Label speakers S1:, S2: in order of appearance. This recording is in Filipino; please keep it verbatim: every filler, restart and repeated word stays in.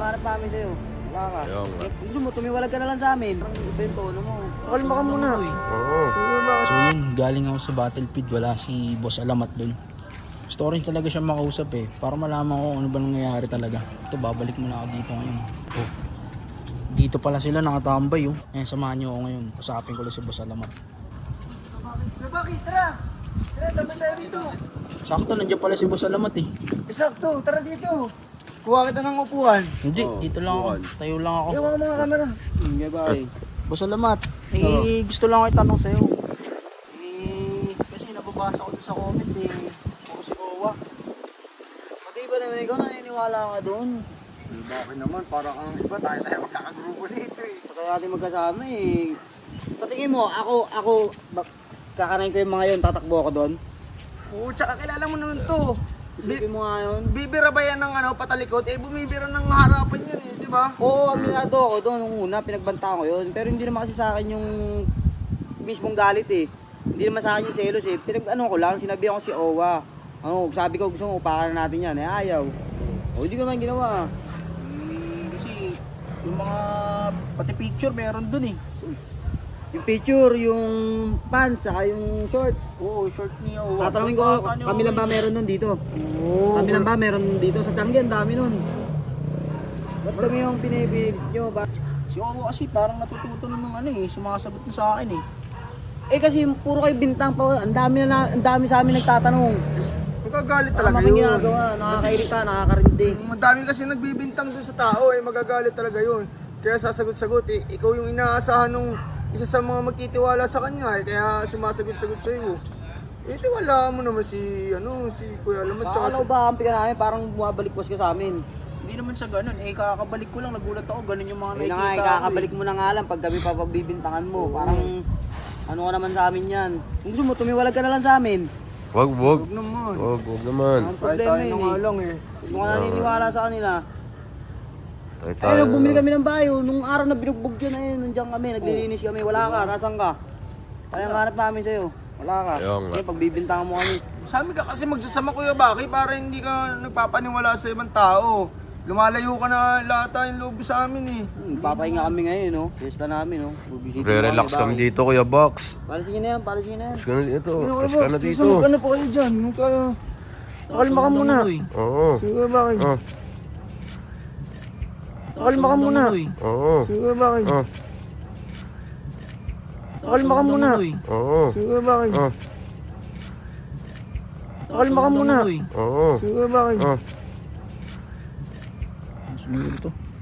S1: hanap namin sa'yo. Wala ka.
S2: Ayaw nga.
S1: Gusto mo, tumiwalag ka na lang sa amin. Parang iba yung tono mo.
S3: Kalma ka muna.
S2: Oo.
S3: So yun, galing ako sa battlefield, wala si Boss Alamat dun. Gusto ko rin talaga siya makausap eh, para malaman ko ano ba nangyayari talaga. Ito, babalik muna ako dito ngayon. Oh. Dito pala sila nakatambay oh. Eh, samahan niyo ako ngayon. Usapin ko lang si Boss Alamat.
S1: Bakit? Tara! Tara, dapat tayo dito.
S3: Sakto, nandiyan pala si Boss Alamat eh.
S1: Sakto, tara dito. Kuha kita ng upuan.
S3: Hindi,
S2: Oh,
S3: dito lang ako. Tayo lang ako.
S1: Ewan ka mga kamera. Hmm, bye.
S3: Boss Alamat, eh, gusto lang ako itanong sa'yo. Eh, kasi nababasa ko doon sa comment eh. Ako si Owa.
S1: Pati ba naman ikaw naniniwala ka doon?
S2: Eh, bakit naman? Parang ang iba tayo tayo magkakagrupo dito eh.
S1: Kaya natin magkasama eh. Sa tingin mo, ako, ako, bak- kakanain ko yung mga yun, tatakbo ako doon.
S2: Oo, tsaka kilala mo naman to.
S1: Isipin mo nga yun.
S2: Bibira ba yan ng ano, patalikod? Eh, bumibira ng harapan yan eh, di ba?
S1: Oo, aminado ako doon nung una, pinagbanta ko yun. Pero hindi naman kasi sa akin yung mismong galit eh. Hindi naman sa akin yung selos eh. Pinag ano ko lang, sinabi ako si Owa. Ano, sabi ko gusto mo upakan na natin yan, eh ayaw. O hindi ko naman ginawa.
S3: Eh, kasi yung mga pati picture meron dun eh.
S1: Yung picture, yung pants, saka yung short.
S3: Oo, short niya. Owa.
S1: Tatanungin ko, kami lang ba meron nun dito?
S3: Oo.
S1: Kami lang ba meron dito? Sa Tiangge, ang dami nun. Ba't kami yung pinipilit nyo? Ba?
S3: Si Owa kasi parang natututo ng ano eh, sumasagot na sa akin eh.
S1: Eh kasi puro kayo bintang pa, ang dami na, na ang dami sa amin nagtatanong.
S2: Magagalit
S1: Tama
S2: talaga
S1: kang
S2: yun.
S1: ginagawa, nakakairita, nakakarindig.
S2: Madami kasi nagbibintang dun sa tao eh, magagalit talaga yun. Kaya sasagot-sagot eh, ikaw yung inaasahan nung isa sa mga magtitiwala sa kanya eh, kaya sumasagot-sagot sa'yo. Eh, tiwala mo naman si, ano, si Kuya Alamat. tsaka
S1: Kakalaw
S2: si-
S1: ba kampi ka namin, parang bumabalik was ka sa amin.
S3: Hindi naman sa ganun, eh kakabalik ko lang, nagulat ako, ganun yung mga
S1: Ayun na nga,
S3: nakikita
S1: eh,
S3: ko
S1: kakabalik mo na nga lang pag kami papagbibintangan mo. Parang ano ka naman sa amin yan. Kung gusto mo, tumiwalag ka na lang sa amin.
S2: Wag, wag.
S3: Huwag naman.
S2: Wag, wag naman.
S1: Ang
S2: Tayo
S1: problema
S2: tayo
S1: yun
S2: na nga
S1: eh.
S2: lang eh.
S1: Huwag mo ka naniniwala sa kanila.
S2: Tayo
S1: Ay, nung bumili kami ng bayo, nung araw na binugbog yun, ayun, nandiyan kami, naglilinis kami. Wala ka, nasan ka? Kaya ang hanap namin sa'yo. Wala ka.
S2: Ayun nga.
S1: Sige, pagbibintangan mo kami.
S2: Sabi ka kasi magsasama Kuya Baki para hindi ka nagpapaniwala sa ibang tao. Lumalayo ka na lata yung loob sa amin eh.
S1: Hmm, papahinga kami ngayon, no? Fiesta namin, no? Bubisita
S2: Re-relax kami dito Kuya Box.
S1: Palisin nyo na yan, palisin nyo na yan.
S2: Kas ka na dito. Kas ka na dito.
S3: Ano po kayo dyan? Kaya... Kalma ka muna.
S2: Oo.
S3: Sige, bakit?
S2: Oh.
S3: Kalma ka muna.
S2: Oo.
S3: Sige, bakit?
S2: Oh.
S3: Kalma ka muna.
S2: Oo.
S3: Sige, bakit?
S2: Oh.
S3: Kalma ka muna.
S2: Oo.
S3: Sige, bakit?
S2: Oh.
S3: Sumili to.